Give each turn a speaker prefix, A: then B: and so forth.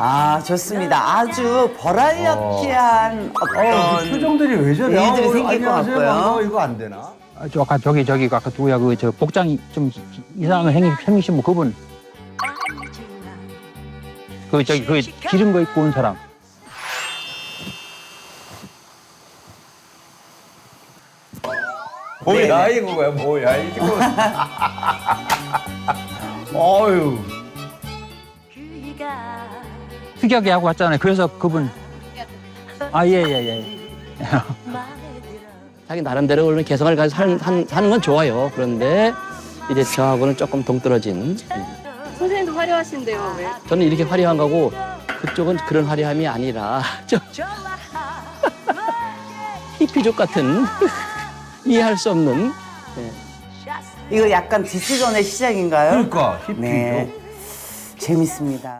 A: 아, 좋습니다. 아주 버라이어티한 어떤
B: 표정들이 왜 저래?
A: 일들이 생길 것
B: 안녕하세요,
A: 같고요.
B: 반가워. 이거 안 되나?
C: 저 아까 저기 아까 누구야 그 저 복장이 좀 이상한 생기신 분 그분 그 저기 그 기름 거 입고 온 사람
B: 뭐야 이거야 뭐야 이거. 어유.
C: 특이하게 하고 왔잖아요. 그래서 그분 아 예 예.
D: 자기 나름대로 그런 개성을 가지고 사는 건 좋아요. 그런데 이제 저하고는 조금 동떨어진.
E: 선생님도 화려하신데요, 왜?
D: 저는 이렇게 화려한 거고 그쪽은 그런 화려함이 아니라 좀 히피족 같은 이해할 수 없는.
A: 이거 약간 디스전의 시작인가요?
B: 그러니까 히피죠.
A: 네, 재밌습니다.